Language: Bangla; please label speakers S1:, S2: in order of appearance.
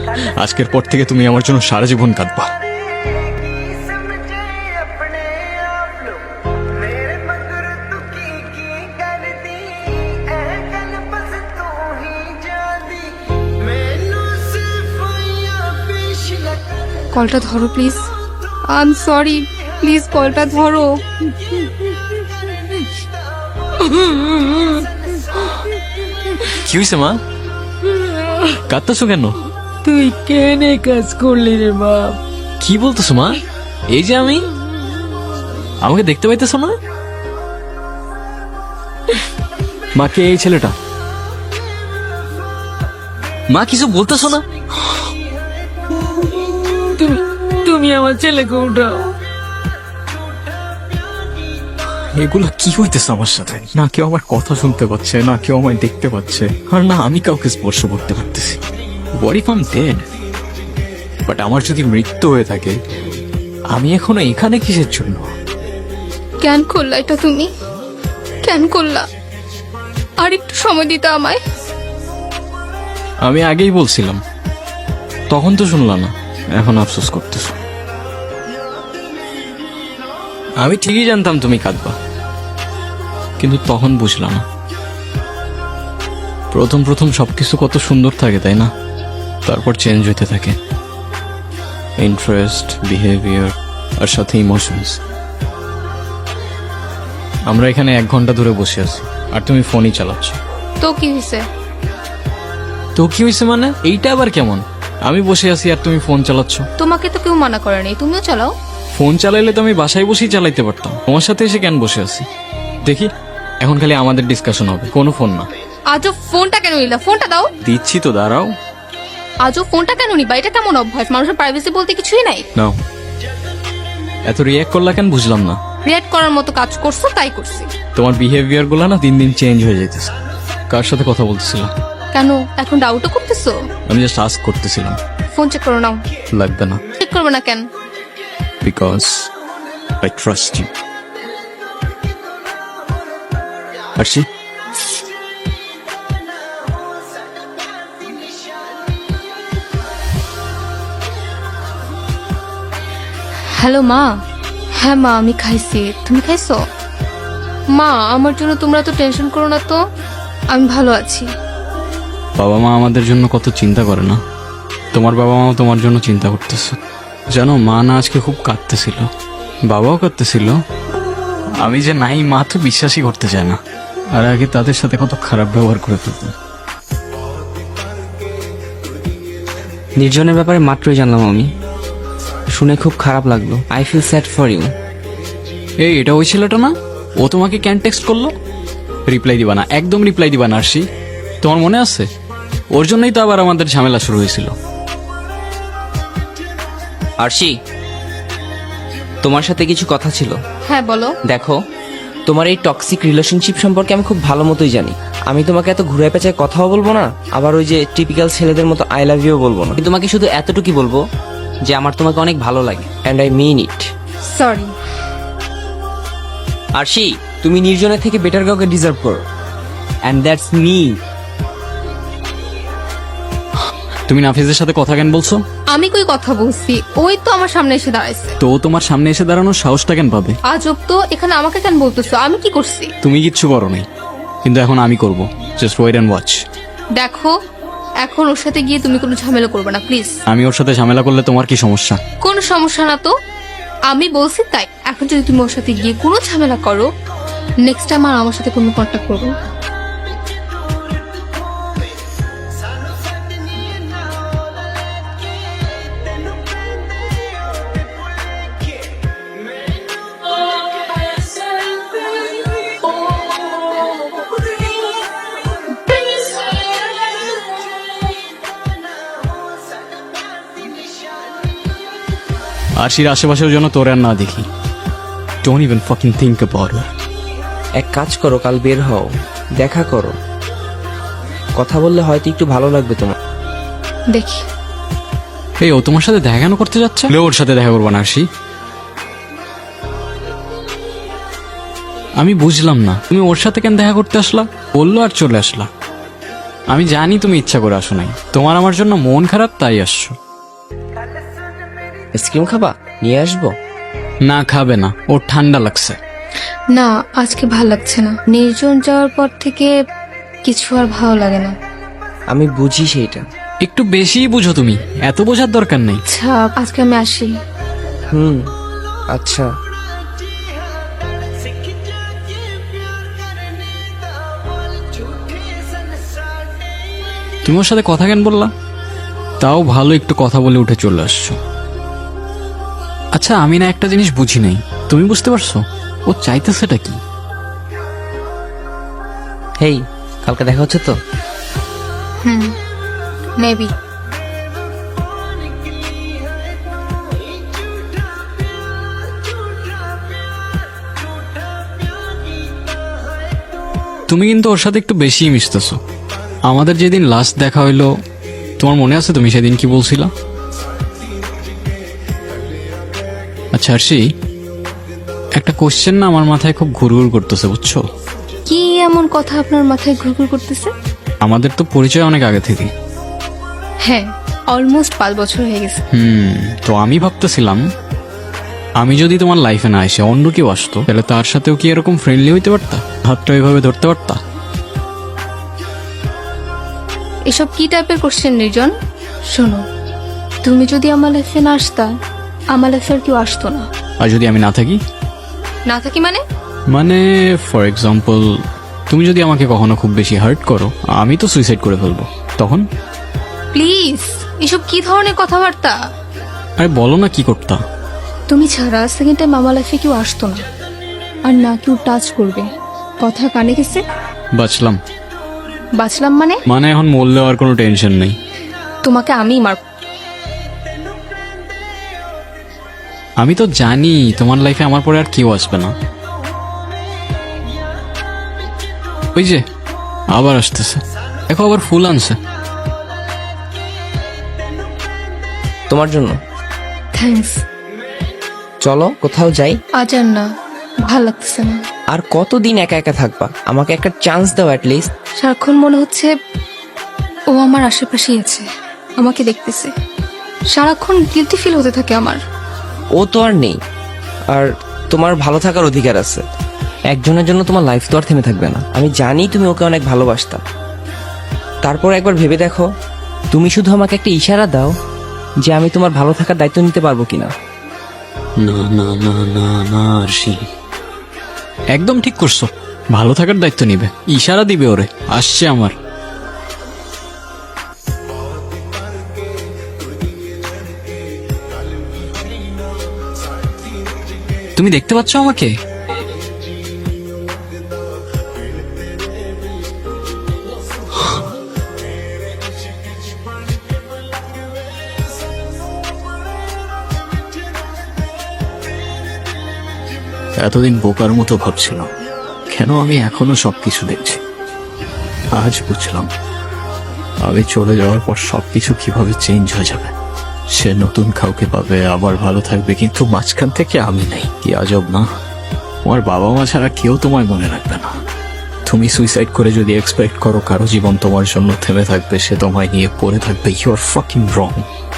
S1: আজকের পর থেকে তুমি আমার জন্য সারা জীবন কাঁদবা।
S2: কলটা ধরো please. I am sorry, please কলটা ধরো।
S1: কি হয়েছে মা, কাঁদতেছো কেন?
S3: তুই কেনে কাজ করলি রে বাপ?
S1: কি বলতেছো মা? এই যে আমি, আমাকে দেখতে পাইতেছো না? মা, কে এই ছেলেটা? মা, কিছু বলতেছো না?
S3: তুমি আমার ছেলেকে উঠাও।
S1: এগুলো কি হইতেছে আমার সাথে? না কেউ আমার কথা শুনতে পাচ্ছে, না কেউ আমায় দেখতে পাচ্ছে, আর না আমি কাউকে স্পর্শ করতে পারতেছি। What if I'm dead? But আমার যদি মৃত্যু হয়ে থাকে, আমি এখনো এখানে কিসের জন্য?
S2: কেন করলা এটা তুমি? কেন করলা? আর একটু সময় দিতে আমায়।
S1: আমি আগেই বলছিলাম, তখন তো শুনলা না, এখন আফসোস করতেছো। আমি ঠিকই জানতাম তুমি কাঁদবা, কিন্তু তখন বুঝলাম না। প্রথম প্রথম সবকিছু কত সুন্দর থাকে, তাই না? তারপর চেঞ্জ হইতে থাকে, ইন্টারেস্ট, বিহেভিয়ার আর সাথে ইমোশনস। আমরা এখানে 1 ঘন্টা ধরে বসে আছি, আর তুমি ফোনই চালাচ্ছ।
S2: তো কি হয়েছে?
S1: তো কি হয়েছে মানে? এইটা আবার কেমন? আমি বসে আছি আর তুমি ফোন চালাচ্ছ।
S2: তোমাকে তো কেউ মানা করে নাই, তুমিও চালাও।
S1: ফোন চালাইলে তো আমি বাসায় বসেই চালাইতে পারতাম, তোমার সাথে এসে কেন বসে আছি? দেখি, এখন খালি আমাদের ডিসকাশন হবে, কোনো ফোন না।
S2: আজও ফোনটা কেন নিলা? ফোনটা দাও।
S1: দিচ্ছি তো, দাঁড়াও।
S2: আজও ফোনটা কেন নিবা? এটা কেমন অভ্যাস? মানুষের প্রাইভেসি বলতে কিছুই নাই।
S1: নাও। এত রিয়াক্ট করলা কেন বুঝলাম না।
S2: রিয়েক্ট করার মতো কাজ করছো, তাই করছি।
S1: তোমার বিহেভিয়ার গুলো না দিন দিন চেঞ্জ হয়ে যাইতেছে। কার সাথে কথা বলতেছিলাম?
S2: কেন এখন ডাউটও করতেছো?
S1: আমি জাস্ট আস্ক করতেছিলাম।
S2: ফোন চেক করো নাও।
S1: লাগবে না।
S2: চেক করবে না কেন?
S1: Because I trust you. Arshi,
S2: hello মা। হ্যাঁ মা, আমি খাইছি। তুমি খাইছো? মা, আমার জন্য তোমরা তো টেনশন করো না তো, আমি ভালো আছি।
S1: বাবা মা আমাদের জন্য কত চিন্তা করে না? তোমার বাবা মাও তোমার জন্য চিন্তা করতেছে। জানো, মা না আজকে খুব কাঁদতেছিল, বাবাও কাঁদতেছিল। আমি যে নাই, মা তো বিশ্বাসই করতে চায় না। আর আগে তাদের সাথে কত খারাপ ব্যবহার করে ফেলতাম।
S4: নির্জনের ব্যাপারে মাত্রই জানলাম আমি, শুনে খুব খারাপ লাগলো। I feel sad for you.
S1: এই, এটা ওই ছেলেটা না? ও তোমাকে ক্যান টেক্সট করলো? রিপ্লাই দিবা না, একদম রিপ্লাই দিবা না আরশি। তোমার মনে আছে? ওর জন্যই তো আবার আমাদের ঝামেলা শুরু হয়েছিল।
S4: আরশি, তোমার সাথে কিছু কথা ছিল।
S2: হ্যাঁ বলো।
S4: দেখো, তোমার এই টক্সিক রিলেশনশিপ সম্পর্কে আমি খুব ভালো মতোই জানি। আমি তোমাকে এত ঘুরে পেঁচায় কথাও বলবো না, আবার ওই যে টিপিক্যাল ছেলেদের মতো আই লাভ ইউ বলবো না। আমি তোমাকে শুধু এতটুকুই বলবো যে আমার তোমাকে অনেক ভালো লাগে, and I mean it.
S2: Sorry.
S4: Arshi, তুমি নির্জনের থেকে বেটার কাউকে ডিজার্ভ করো, অ্যান্ড দ্যাটস মি।
S1: তুমি নাফিজের সাথে কথা কেন বলছো?
S2: আমি কই কথা বলছি? ওই তো আমার সামনে এসে দাঁড়াইছে।
S1: তো ও তোমার সামনে এসে দাঁড়ানোর সাহসটা কেন পাবে?
S2: আজব তো, এখানে আমাকে কেন বলতেছো? আমি কি করছি?
S1: তুমি কিচ্ছু করো নাই, কিন্তু এখন আমি করব। Just wait and watch.
S2: দেখো, এখন ওর সাথে গিয়ে তুমি কোনো ঝামেলা করবে না প্লিজ।
S1: আমি ওর সাথে ঝামেলা করলে তোমার কি সমস্যা?
S2: কোনো সমস্যা না তো, আমি বলছি তাই। এখন যদি তুমি ওর সাথে গিয়ে কোনো ঝামেলা করো, নেক্সট টাইম আর আমার সাথে কোনো কন্ট্যাক্ট করবে না।
S1: আরশির আশেপাশেও যেন তোর আর না দেখি। Don't even fucking think about it.
S4: এক কাজ করো, কাল বের হও, দেখা করো, কথা বললে হয়তো একটু ভালো লাগবে তোমার।
S2: দেখি।
S1: এই, ও তোমার সাথে দেখা কেন করতে যাচ্ছে? ওর সাথে দেখা করবো না আরশি। আমি বুঝলাম না, তুমি ওর সাথে কেন দেখা করতে আসলা? বললো আর চলে আসলা। আমি জানি তুমি ইচ্ছা করে আসো নাই, তোমার আমার জন্য মন খারাপ তাই আসছো।
S4: আইসক্রিম খাবা? নিয়ে আসবো।
S1: না খাবে না, ওর ঠান্ডা লাগছে।
S2: না, আজকে ভাল লাগছে না। নির্জন যাওয়ার পর থেকে কিছু আর ভালো লাগে না।
S4: আমি বুঝি সেইটা।
S1: একটু বেশি বুঝো তুমি, এত বোঝার দরকার নেই।
S2: আচ্ছা, আজকে আমি আসি।
S4: আচ্ছা।
S1: তুমি ওর সাথে কথা কেন বললা? তাও ভালো, একটু কথা বলে উঠে চলে আসছো। আচ্ছা, আমি না একটা জিনিস বুঝি নাই, তুমি বুঝতে পারছো ও চাইতেছেটা কি?
S4: হেই, কালকে দেখা হচ্ছে তো?
S2: মেবি।
S1: তুমি কিন্তু ওর সাথে একটু বেশি মিশতেছো। আমাদের যেদিন লাস্ট দেখা হইলো, তোমার মনে আছে তুমি সেদিন কি বলছিলা? আচ্ছা আরশি, একটা কোশ্চেন না আমার মাথায় খুব ঘুরঘুর করতেছে, বুঝছো?
S2: কি এমন কথা আপনার মাথায় ঘুরঘুর করতেছে?
S1: আমাদের তো পরিচয় অনেক আগে থেকে।
S2: হ্যাঁ, অলমোস্ট 5 বছর হয়ে গেছে।
S1: তো আমি ভাবতেছিলাম, আমি যদি তোমার লাইফে না এসে অন্য কেউ আসতো, তাহলে তার সাথেও কি এরকম ফ্রেন্ডলি হইতে পারতা? হাতটা এভাবে ধরতে পারতা?
S2: এসব কি টাইপের কোশ্চেন নির্জন? শোনো, তুমি যদি আমার লাইফে না আসতা, আমার লাইফে আর কেউ আসতো না।
S1: আর যদি আমি না থাকি?
S2: না থাকি মানে?
S1: মানে ফর এক্সাম্পল, তুমি যদি আমাকে কখনো খুব বেশি হার্ট করো, আমি তো সুইসাইড করে ফেলবো, তখন?
S2: প্লিজ, এসব কি ধরনের কথাবার্তা?
S1: আরে বলো না, কি করতা?
S2: তুমি ছাড়া সেকেন্ড টাইম আমার লাইফে কেউ আসতো না, আর না কেউ টাচ করবে। কথা কানে গেছে?
S1: বাঁচলাম।
S2: বাঁচলাম মানে?
S1: মানে এখন মরলেও আর কোনো টেনশন নেই।
S2: তোমাকে আমি মার।
S1: আমি তো জানি তোমার লাইফে আমার পরে আর কেউ আসবে না। ওই যে আবার আসতেছে, দেখো আবার ফুল আনছে।
S4: তোমার জন্য।
S2: থ্যাঙ্কস।
S4: চলো কোথাও যাই।
S2: আজ আর না, ভাল লাগতেছে না।
S4: আর কতদিন একা একা থাকবা? আমাকে একটা চান্স দাও অ্যাটলিস্ট।
S2: সারাক্ষণ মনে হচ্ছে ও আমার আশেপাশেই আছে, আমাকে দেখতেছে। সারাক্ষণ গিলটি ফিল হতে থাকে আমার।
S4: ও তো আর নেই, আর তোমার ভালো থাকার অধিকার আছে। একজনের জন্য তোমার লাইফ তো আর থেমে থাকবে না। আমি জানি তুমি ওকে অনেক ভালোবাসতা, তারপর একবার ভেবে দেখো, তুমি শুধু আমাকে একটা ইশারা দাও যে আমি তোমার ভালো থাকার দায়িত্ব নিতে পারবো কিনা।
S1: না না না না না আরশি, একদম ঠিক করছো। ভালো থাকার দায়িত্ব নিবে, ইশারা দিবে ওরে, আসছে আমার। তুমি দেখতে পাচ্ছ আমাকে? এতদিন বোকার মতো ভাবছিলাম কেন আমি এখনো সবকিছু দেখছি। আজ বুঝলাম আমি চলে যাওয়ার পর সবকিছু কিভাবে চেঞ্জ হয়ে যাবে। সে নতুন কাউকে পাবে, আবার ভালো থাকবে, কিন্তু মাঝখান থেকে আমি নেই। কি আজব না? তোমার বাবা মা ছাড়া কেউ তোমায় মনে রাখবে না। তুমি সুইসাইড করে যদি এক্সপেক্ট করো কারো জীবন তোমার জন্য থেমে থাকবে, সে তোমায় নিয়ে পড়ে থাকবে, ইউ আর ফাকিং রং।